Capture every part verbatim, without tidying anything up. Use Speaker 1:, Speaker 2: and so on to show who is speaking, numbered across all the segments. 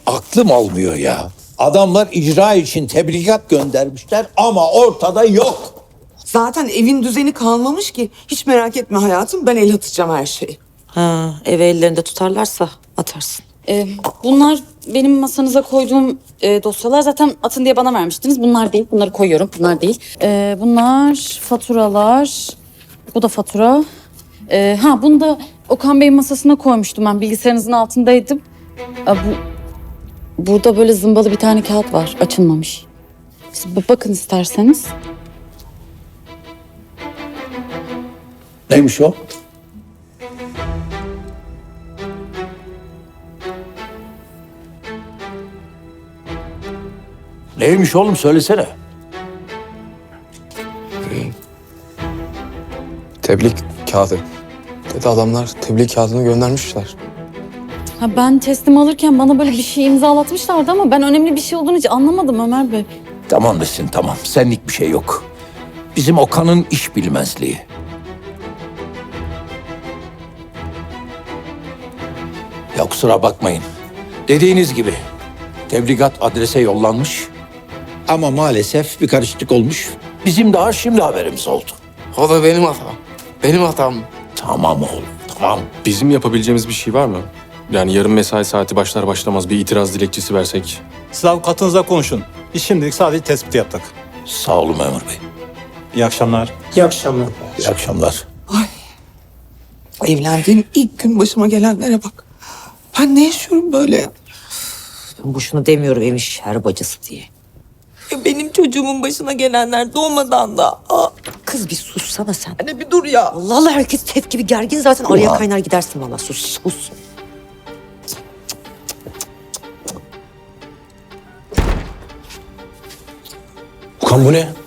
Speaker 1: aklım almıyor ya. Adamlar icra için tebligat göndermişler ama ortada yok.
Speaker 2: Zaten evin düzeni kalmamış ki. Hiç merak etme hayatım, ben el atacağım her şeyi.
Speaker 3: Ha, evi ellerinde tutarlarsa atarsın.
Speaker 4: Ee, bunlar benim masanıza koyduğum e, dosyalar. Zaten atın diye bana vermiştiniz. Bunlar değil. Bunları koyuyorum. Bunlar değil. Ee, bunlar faturalar. Bu da fatura. Ee, ha bunu da Okan Bey'in masasına koymuştum ben. Bilgisayarınızın altındaydım. Aa, bu, burada böyle zımbalı bir tane kağıt var. Açılmamış. Siz bir bakın isterseniz.
Speaker 1: Neymiş o? Neymiş oğlum, söylesene.
Speaker 5: Tebliğ kağıdı. Dedi adamlar tebliğ kağıdını göndermişler.
Speaker 4: Ha, ben teslim alırken bana böyle bir şey imzalatmışlardı ama ben önemli bir şey olduğunu hiç anlamadım Ömer Bey.
Speaker 1: Tamam desin, tamam. Senlik bir şey yok. Bizim Okan'ın iş bilmezliği. Ya kusura bakmayın. Dediğiniz gibi tebligat adrese yollanmış. Ama maalesef bir karışıklık olmuş. Bizim daha şimdi haberimiz oldu.
Speaker 5: O da benim hatam. Benim hatam.
Speaker 1: Tamam oğlum, tamam.
Speaker 6: Bizim yapabileceğimiz bir şey var mı? Yani yarın mesai saati başlar başlamaz bir itiraz dilekçesi versek.
Speaker 7: Siz avukatınızla konuşun. Biz şimdilik sadece tespit yaptık.
Speaker 1: Sağ olun memur bey.
Speaker 7: İyi akşamlar.
Speaker 2: İyi akşamlar.
Speaker 1: İyi akşamlar.
Speaker 2: Evlendiğim ilk gün başıma gelenlere bak. Ben ne yaşıyorum böyle?
Speaker 3: Boşuna demiyorum evin şer bacısı diye.
Speaker 2: Ya benim çocuğumun başına gelenler doğmadan da. Aa,
Speaker 3: Kız bir sussana sen.
Speaker 2: anne bir dur ya.
Speaker 3: Allah Allah, herkes tet gibi gergin zaten. Araya kaynar gidersin valla. Sus sus.
Speaker 6: Okan bu ne?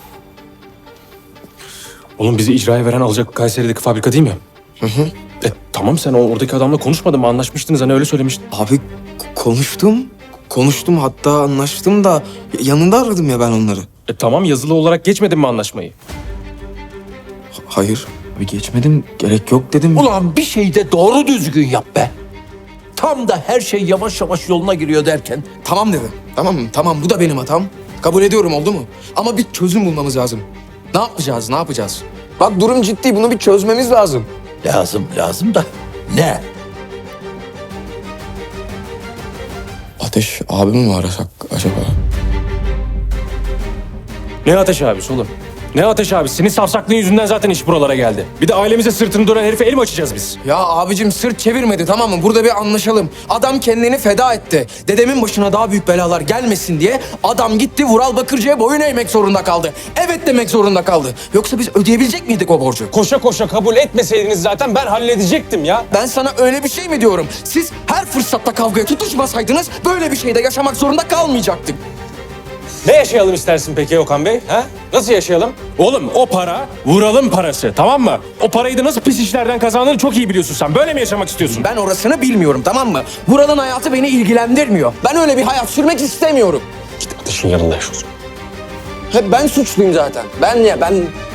Speaker 6: Oğlum bizi icraya veren alacak Kayseri'deki fabrika değil mi? Hı hı. E, tamam sen o oradaki adamla konuşmadın mı? Anlaşmıştınız hani öyle söylemiştin.
Speaker 5: Abi k- konuştum. Konuştum hatta anlaştım da yanında aradım ya ben onları.
Speaker 6: E, tamam yazılı olarak geçmedin mi anlaşmayı?
Speaker 5: Ha- Hayır. Abi geçmedim. Gerek yok dedim.
Speaker 1: Ulan bir şey de doğru düzgün yap be. Tam da her şey yavaş yavaş yoluna giriyor derken.
Speaker 5: Tamam dedim. Tamam mı? Tamam bu da benim hatam. Kabul ediyorum oldu mu? Ama bir çözüm bulmamız lazım. Ne yapacağız? Ne yapacağız? Bak durum ciddi. Bunu bir çözmemiz lazım.
Speaker 1: Lazım, lazım da ne?
Speaker 5: Ateş abimi mi arasak acaba?
Speaker 6: Ne ateş abisi oğlum? Ne ateş abisi? Senin safsaklığın yüzünden zaten iş buralara geldi. Bir de ailemize sırtını dönen herife el mi açacağız biz?
Speaker 5: Ya abicim sırt çevirmedi tamam mı? Burada bir anlaşalım. Adam kendini feda etti. Dedemin başına daha büyük belalar gelmesin diye adam gitti Vural Bakırcı'ya boyun eğmek zorunda kaldı. Evet demek zorunda kaldı. Yoksa biz ödeyebilecek miydik o borcu?
Speaker 6: Koşa koşa kabul etmeseydiniz zaten ben halledecektim ya.
Speaker 5: Ben sana öyle bir şey mi diyorum? Siz her fırsatta kavgaya tutuşmasaydınız böyle bir şeyde yaşamak zorunda kalmayacaktık.
Speaker 6: Ne yaşayalım istersin peki Okan Bey? Ha? Nasıl yaşayalım? Oğlum o para Vural'ın parası, tamam mı? O parayı da nasıl pis işlerden kazandığını çok iyi biliyorsun sen. Böyle mi yaşamak istiyorsun?
Speaker 5: Ben orasını bilmiyorum tamam mı? Vural'ın hayatı beni ilgilendirmiyor. Ben öyle bir hayat sürmek istemiyorum.
Speaker 6: Git ateşin yanında yaşıyorsun.
Speaker 5: Hep ben suçluyum zaten. Ben ya ben